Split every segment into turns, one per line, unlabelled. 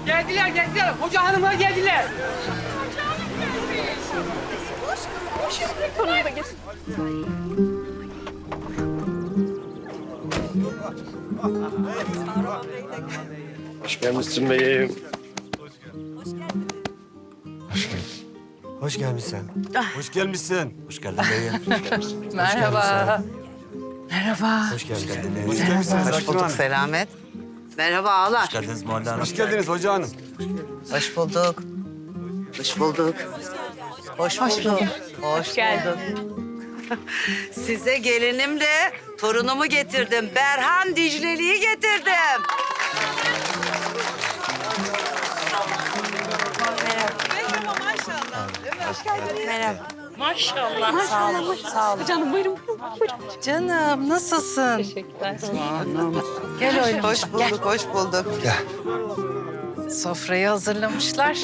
Geldiler, geldiler. Hoca hanımlar geldiler.
Konuyu da getir.
Hoş gelmişsin beyim.
Hoş gelmişsin. Hoş gelmişsin. Hoş geldin beyim.
Merhaba. Merhaba.
Hoş geldiniz. Hoş gelmişsiniz.
Hoş bulduk Selamet. Merhaba ağalar.
Hoş geldiniz Muhalle Hanım. Hoş geldiniz hoca hanım.
Hoş bulduk. Hoş bulduk. Hoş bulduk. Hoş bulduk. Size gelinimle torunumu getirdim. Berhan Dicleli'yi getirdim.
Maşallah. Sağ olun. Sağ olun. Canım buyurun.
Canım nasılsın?
Teşekkürler.
Gel oğlum. Hoş bulduk, hoş bulduk.
Sofrayı hazırlamışlar.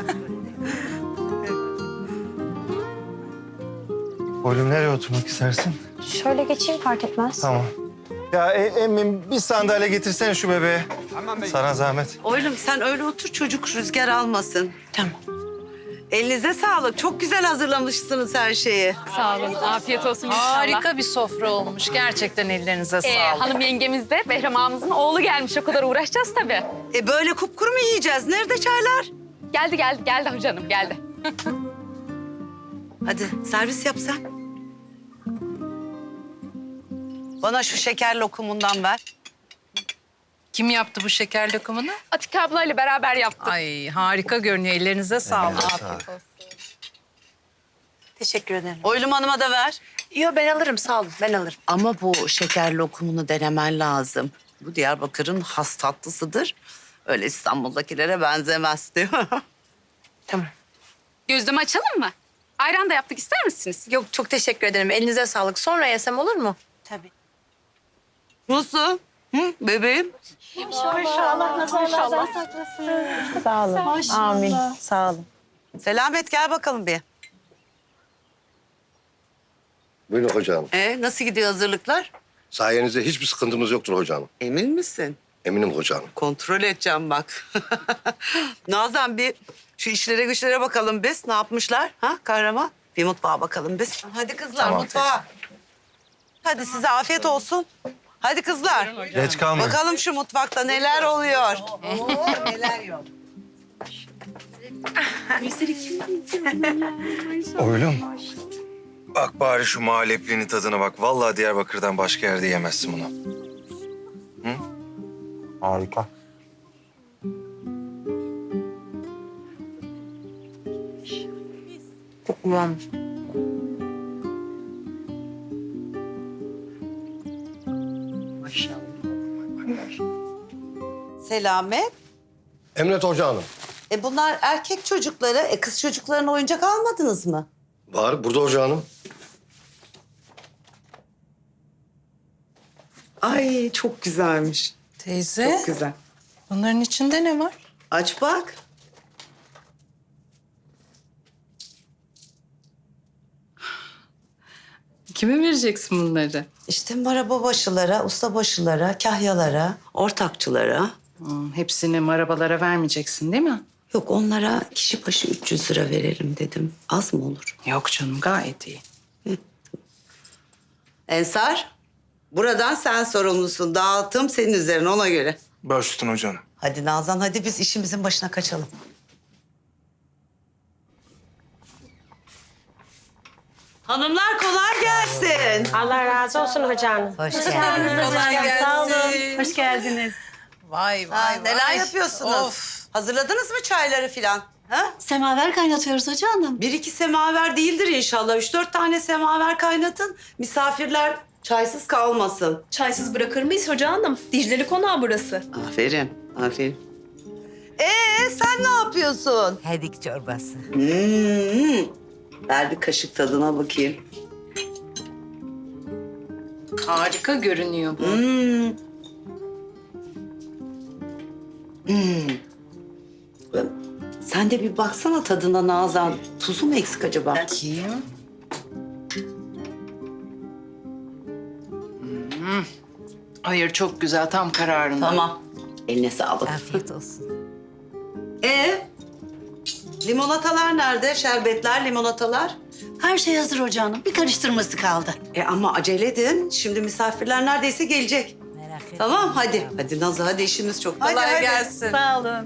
Oğlum nereye oturmak istersin?
Şöyle geçeyim fark etmez.
Tamam. Ya emmim bir sandalye getirsene şu bebeğe. Sana zahmet.
Oğlum sen öyle otur çocuk rüzgar almasın.
Tamam.
Elinize sağlık. Çok güzel hazırlamışsınız her şeyi.
Sağ olun. Afiyet olsun inşallah.
Harika bir sofra olmuş. Gerçekten ellerinize sağlık.
Hanım yengemiz de Behram ağamızın oğlu gelmiş. O kadar uğraşacağız tabii.
Böyle kupkuru mu yiyeceğiz? Nerede çaylar?
Geldi hocanım geldi.
Hadi servis yap sen. Bana şu şeker lokumundan ver.
Kim yaptı bu şeker lokumunu?
Atike ablayla beraber yaptık.
Ay harika görünüyor. Ellerinize sağlık.
Teşekkür ederim.
Oylum Hanım'a da ver.
Yok ben alırım sağ olun ben alırım.
Ama bu şeker lokumunu denemen lazım. Bu Diyarbakır'ın has tatlısıdır. Öyle İstanbul'dakilere benzemez diyor.
Tamam.
Gözleme açalım mı? Ayran da yaptık ister misiniz?
Yok çok teşekkür ederim. Elinize sağlık. Sonra yesem olur mu? Tabii.
Nasıl? Hı, bebeğim?
Sağ olun. Amin. Sağ olun.
Selamet gel bakalım bir.
Buyurun hocam.
Nasıl gidiyor hazırlıklar?
Sayenizde hiçbir sıkıntımız yoktur hocam.
Emin misin?
Eminim hocam.
Kontrol edeceğim bak. Nazan bir şu işlere güçlere bakalım biz. Ne yapmışlar? Ha kahraman? Bir mutfağa bakalım biz. Hadi kızlar
Tamam.
mutfağa. Hadi size afiyet olsun. Hadi kızlar.
Geç kalmayın.
Bakalım şu mutfakta neler oluyor. Neler yok.
Oğlum. Bak bari şu muhalleplinin tadına bak. Vallahi Diyarbakır'dan başka yerde yemezsin bunu.
Harika.
Çok güzelmiş.
Selamet.
Emret Hoca Hanım.
Bunlar erkek çocukları. Kız çocuklarına oyuncak almadınız mı?
Var burada Hoca Hanım.
Ay çok güzelmiş.
Teyze,
Çok güzel.
bunların içinde ne var?
Aç bak.
Kime vereceksin bunları?
İşte marababaşılara, ustabaşılara, kahyalara, ortakçılara.
Hepsini marabalara vermeyeceksin değil mi?
Yok onlara kişi başı 300 lira verelim dedim. Az mı olur?
Yok canım gayet iyi.
Ensar, buradan sen sorumlusun. Dağıtım senin üzerine ona göre.
Baş üstüne hocam.
Hadi Nazan, hadi biz işimizin başına kaçalım. Hanımlar kolay gelsin.
Allah razı olsun hocam.
Hoş geldiniz. Kolay gelsin.
Sağ olun. Hoş geldiniz.
Vay
Neler yapıyorsunuz?
Of.
Hazırladınız mı çayları filan? Ha?
Semaver kaynatıyoruz hoca hanım.
Bir iki semaver değildir inşallah. 3-4 tane semaver kaynatın. Misafirler çaysız kalmasın.
Çaysız bırakır mıyız hoca hanım? Dicle'li konağı burası.
Aferin, aferin. Sen ne yapıyorsun?
Hedik çorbası.
Ver bir kaşık tadına bakayım.
Harika görünüyor bu.
Sen de bir baksana tadına Nazan. Tuzu mu eksik acaba?
Bakayım. Hayır çok güzel tam kararında.
Tamam. Eline sağlık.
Afiyet olsun.
Limonatalar nerede? Şerbetler, limonatalar.
Her şey hazır Hoca Hanım. Bir karıştırması kaldı.
Ama acele edin. Şimdi misafirler neredeyse gelecek.
Merak etme.
Tamam hadi. Hadi Nazlı hadi işimiz çok.
Kolay gelsin.
Sağ olun.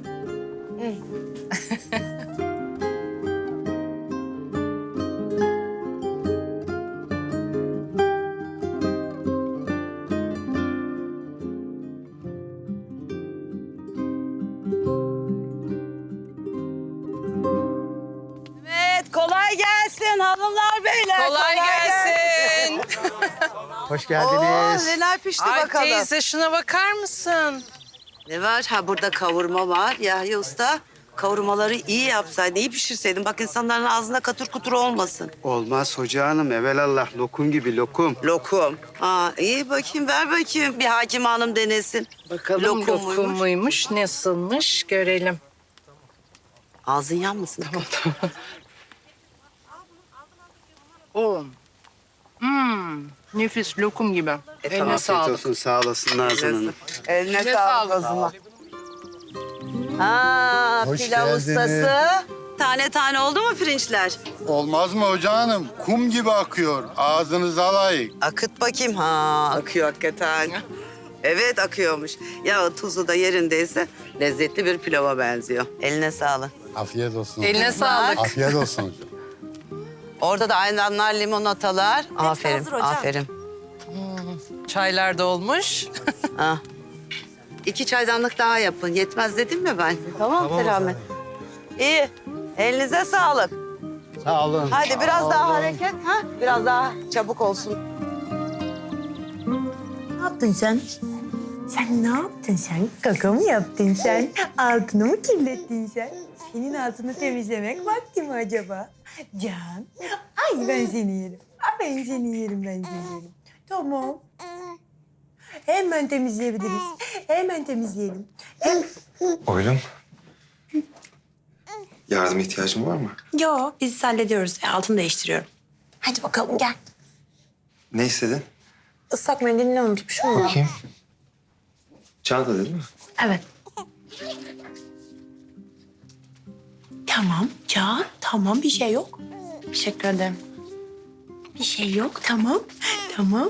Evet kolay gelsin hanımlar beyler.
Kolay gelsin.
Hoş
Oo,
geldiniz.
neler pişti
Ay
bakalım.
teyze şuna bakar mısın?
Ne var? Ha burada kavurma var. Yahya Usta kavurmaları iyi yapsaydın, iyi pişirseydin. Bak insanların ağzında katır kutur olmasın.
Olmaz Hoca Hanım. Evelallah lokum gibi lokum.
Lokum. Ha iyi bakayım ver bakayım. Bir hakim hanım denesin.
Bakalım
Lokum muymuş?
lokum muymuş, nasılmış görelim.
Ağzın yanmasın.
Oo. Nefis lokum gibi. Eline
Afiyet
sağlık.
olsun. Sağ olasın Nazan Hanım.
Eline
Eline
sağlık o
sağlık.
zaman. Ha
Hoş
pilav
geldiniz.
ustası. Tane tane oldu mu pirinçler?
Olmaz mı Hoca Hanım? Kum gibi akıyor. Ağzınıza layık.
Akıt bakayım. Ha akıyor hakikaten. Evet akıyormuş. Ya tuzu da yerindeyse lezzetli bir pilava benziyor. Eline sağlık.
Afiyet olsun.
Eline sağlık.
Afiyet olsun.
Orada da ayranlar, limonatalar. Aferin,
hazır hocam.
aferin.
Çaylar da olmuş.
Ha. 2 çaydanlık daha yapın. Yetmez dedim mi ben? Tamam, Selamet. İyi. Elinize sağlık.
Sağ olun.
Hadi biraz daha hareket. Ha? Biraz daha çabuk olsun.
Ne yaptın sen? Sen ne yaptın sen? Kaka mı yaptın sen? Altını mı kirlettin sen? Senin altını temizlemek vakti mi acaba? Can, ay ben seni yerim. Ay ben seni yerim, ben seni yerim. Tamam. Hemen temizleyebiliriz. Hemen temizleyelim.
Oylum. Yardım ihtiyacın var mı?
Yo, biz hallediyoruz. Altını değiştiriyorum. Hadi bakalım gel.
Ne istedin?
Islak mendilini unutmuşum ama.
Bakayım. Çanta değil mi?
Evet. Tamam Can, tamam bir şey yok. Teşekkür ederim. Bir şey yok, tamam. Tamam.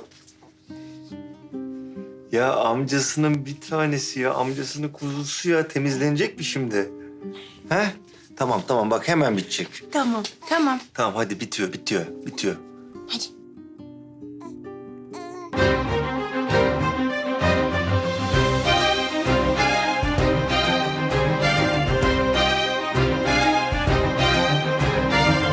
Ya amcasının bir tanesi ya. Amcasının kuzusu ya. Temizlenecek mi şimdi? He? Tamam tamam bak hemen bitecek.
Tamam, tamam.
Tamam hadi bitiyor.
Hadi.